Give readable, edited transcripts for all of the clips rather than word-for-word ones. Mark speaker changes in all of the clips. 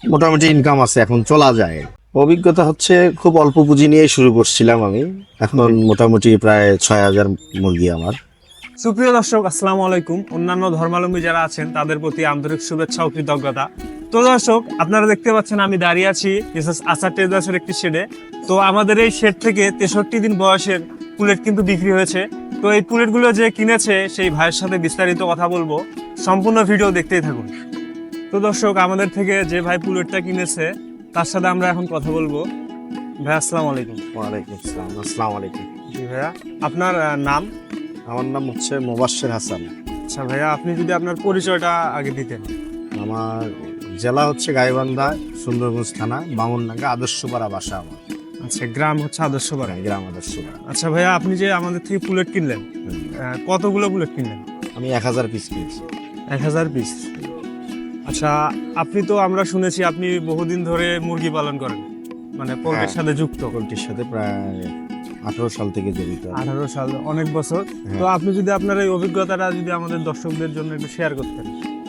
Speaker 1: মোটামুটি ইনকাম আছে, এখন চলা যায়। অভিজ্ঞতা হচ্ছে খুব অল্প পুঁজি নিয়ে শুরু করছিলাম আমি, এখন মোটামুটি প্রায় 6,000 মুরগি আমার।
Speaker 2: সুপ্রিয় দর্শক, আসসালামু আলাইকুম। অন্যান্য ধর্মাবলম্বী যারা আছেন তাদের প্রতি আন্তরিক শুভেচ্ছা ও কৃতজ্ঞতা। তো দর্শক, আপনারা দেখতে পাচ্ছেন আমি দাঁড়িয়ে আছি মিসেস আসার ট্রেডার্সের একটি শেডে। তো আমাদের এই শেড থেকে 63 দিন বয়সের পুলেট কিন্তু বিক্রি হয়েছে। তো এই পুলেটগুলো যে কিনেছে সেই ভাইয়ের সাথে বিস্তারিত কথা বলবো, সম্পূর্ণ ভিডিও দেখতেই থাকুন। তো দর্শক, আমাদের থেকে যে ভাই পুলেটটা কিনেছে তার সাথে আমরা এখন কথা বলবো। ভাই আসসালামু আলাইকুম।
Speaker 1: ওয়ালাইকুম আসসালাম। আসসালামু আলাইকুম।
Speaker 2: জি ভাইয়া, আপনার নাম?
Speaker 1: আমার নাম হচ্ছে মোবাশ্বের হাসান।
Speaker 2: আচ্ছা ভাইয়া, আপনি যদি আপনার পরিচয়টা আগে দিতেন।
Speaker 1: আমার জেলা হচ্ছে গাইবান্ধা, সুন্দরগঞ্জ থানা, বামুনডাঙ্গা, আদর্শপাড়া বাসা আমার।
Speaker 2: আচ্ছা, গ্রাম হচ্ছে আদর্শপাড়া।
Speaker 1: গ্রাম আদর্শপাড়া।
Speaker 2: আচ্ছা ভাইয়া, আপনি যে আমাদের থেকে পুলেট কিনলেন, কতগুলো পুলেট কিনলেন?
Speaker 1: আমি 1000 পিস কিনছি।
Speaker 2: 1000 পিস। আচ্ছা, আপনি তো আমরা শুনেছি আপনি বহুদিন ধরে মুরগি পালন করেন, মানে পোল্ট্রির সাথে যুক্ত।
Speaker 1: পোল্ট্রির সাথে প্রায় 18 সাল থেকে জড়িত।
Speaker 2: 18 সাল, অনেক বছর। তো আপনি যদি আপনার এই অভিজ্ঞতাটা যদি আমাদের দর্শকদের জন্য একটু শেয়ার করতেন।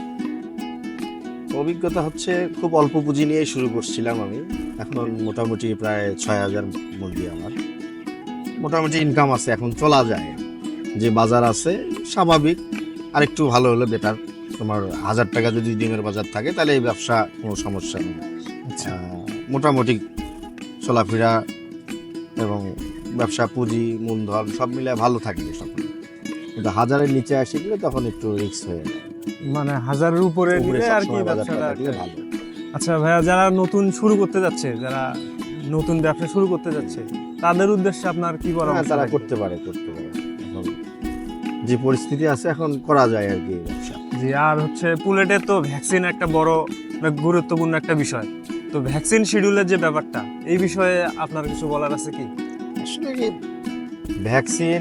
Speaker 1: অভিজ্ঞতা হচ্ছে খুব অল্প পুঁজি নিয়ে শুরু করছিলাম আমি, এখন মোটামুটি প্রায় 6,000 মুরগি আমার। মোটামুটি ইনকাম আছে, এখন চলা যায়। যে বাজার আছে স্বাভাবিক, আর একটু ভালো হলে বেটার। তোমার 1000 টাকা যদি ডিমের বাজার থাকে তাহলে এই ব্যবসা কোনো সমস্যা নেই।
Speaker 2: আচ্ছা,
Speaker 1: মোটামুটি চলাফেরা এবং ব্যবসা পুঁজি মূলধন সব মিলে ভালো থাকবে সকলে। কিন্তু 1000-এর নিচে আসে গেলে তখন একটু রিস্ক হয়ে যায়।
Speaker 2: মানে 1000-এর উপরে নিলে আর কি ব্যবসাটা
Speaker 1: ভালো।
Speaker 2: আচ্ছা ভাইয়া, যারা নতুন শুরু করতে যাচ্ছে, যারা নতুন ব্যবসা শুরু করতে যাচ্ছে, তাদের উদ্দেশ্যে আপনার কি পরামর্শ?
Speaker 1: তারা করতে পারে। এখন যে পরিস্থিতি আছে এখন করা যায় আর কি ব্যবসা।
Speaker 2: জি, আর হচ্ছে পুলেটের তো ভ্যাকসিন একটা বড় গুরুত্বপূর্ণ একটা বিষয়। তো ভ্যাকসিন শিডিউলের যে ব্যাপারটা, এই বিষয়ে আপনার কিছু বলার আছে কি?
Speaker 1: আসলে কি ভ্যাকসিন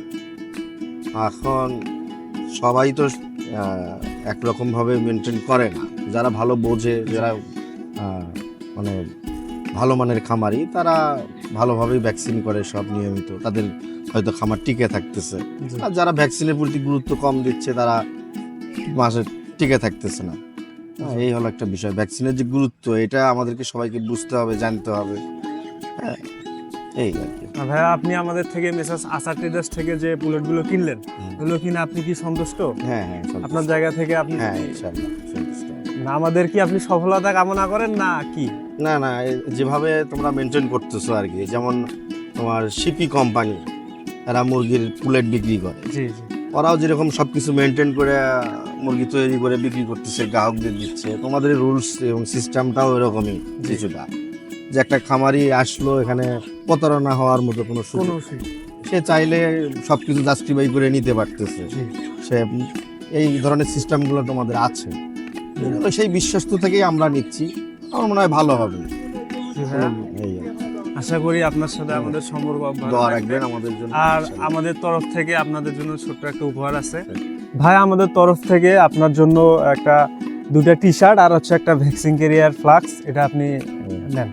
Speaker 1: এখন সবাই তো একরকম ভাবে মেনটেন করে না। যারা ভালো বোঝে, যারা মানে ভালো মানের খামারি, তারা ভালোভাবেই ভ্যাকসিন করে সব নিয়মিত, তাদের হয়তো খামার টিকে থাকতেছে। আর যারা ভ্যাকসিনের প্রতি গুরুত্ব কম দিচ্ছে তারা মাসে টিকে থাকতেছে না। এই হলো একটা বিষয়, ভ্যাকসিনের যে গুরুত্ব এটা আমাদেরকে সবাইকে বুঝতে হবে, জানতে হবে। হ্যাঁ, এই আর কি।
Speaker 2: ভাইয়া, আপনি আমাদের থেকে মেসাস আসার ট্রেডার্স থেকে যে পুলেটগুলো কিনলেন, ওগুলো কিনে আপনি কি সন্তুষ্ট?
Speaker 1: হ্যাঁ,
Speaker 2: আপনার জায়গা থেকে আপনি?
Speaker 1: হ্যাঁ, ইনশাআল্লাহ সন্তুষ্ট।
Speaker 2: না, আমাদের কি আপনি সফলতা কামনা করেন না কি?
Speaker 1: না, যেভাবে তোমরা মেনটেন করতেছো আর কি, যেমন তোমার শিপি কোম্পানি, এরা মুরগির পুলেট বিক্রি করে।
Speaker 2: জি।
Speaker 1: ওরাও যেরকম সবকিছু মেনটেন করে মুরগি তৈরি করে বিক্রি করতেছে, গ্রাহকদের দিচ্ছে, তোমাদের রুলস এবং সিস্টেমটাও এরকমই কিছুটা। যে একটা খামারি আসলো, এখানে প্রতারণা হওয়ার মতো কোনো সুযোগ, সে চাইলে সবকিছু জাস্টিফাই করে নিতে পারতেছে। সে এই ধরনের সিস্টেমগুলো তোমাদের আছে, সেই বিশ্বস্ত থেকেই আমরা নিচ্ছি। আমার মনে হয় ভালো হবে।
Speaker 2: আশা করি আপনার সাথে আমাদের সম্পর্ক
Speaker 1: দোয়া রাখবেন আমাদের জন্য।
Speaker 2: আর আমাদের তরফ থেকে আপনাদের জন্য ছোট্ট একটা উপহার আছে। ভাই, আমাদের তরফ থেকে আপনার জন্য একটা 2টা টি শার্ট আর হচ্ছে একটা ভ্যাকসিন ক্যারিয়ার ফ্লাক্স, এটা আপনি নেন।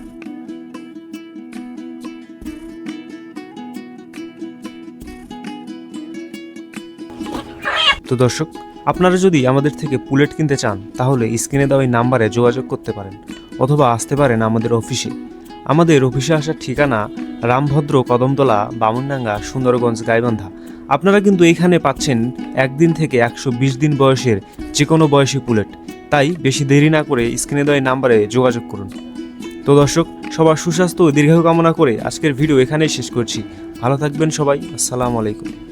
Speaker 3: তো দর্শক, আপনারা যদি আমাদের থেকে পুলেট কিনতে চান তাহলে স্ক্রিনে দেওয়া এই নাম্বারে যোগাযোগ করতে পারেন, অথবা আসতে পারেন আমাদের অফিসে। আমাদের অফিসে আসার ঠিকানা রামভদ্র, কদমতলা, বামুনডাঙ্গা, সুন্দরগঞ্জ, গাইবান্ধা। আপনারা কিন্তু এইখানে পাচ্ছেন 1 দিন থেকে 120 দিন বয়সের যে কোনো বয়সী পুলেট। তাই বেশি দেরি না করে স্ক্রিনে দেওয়া এই নাম্বারে যোগাযোগ করুন। তো দর্শক, সবার সুস্বাস্থ্য ও দীর্ঘায়ু কামনা করে আজকের ভিডিও এখানেই শেষ করছি। ভালো থাকবেন সবাই। আসসালামু আলাইকুম।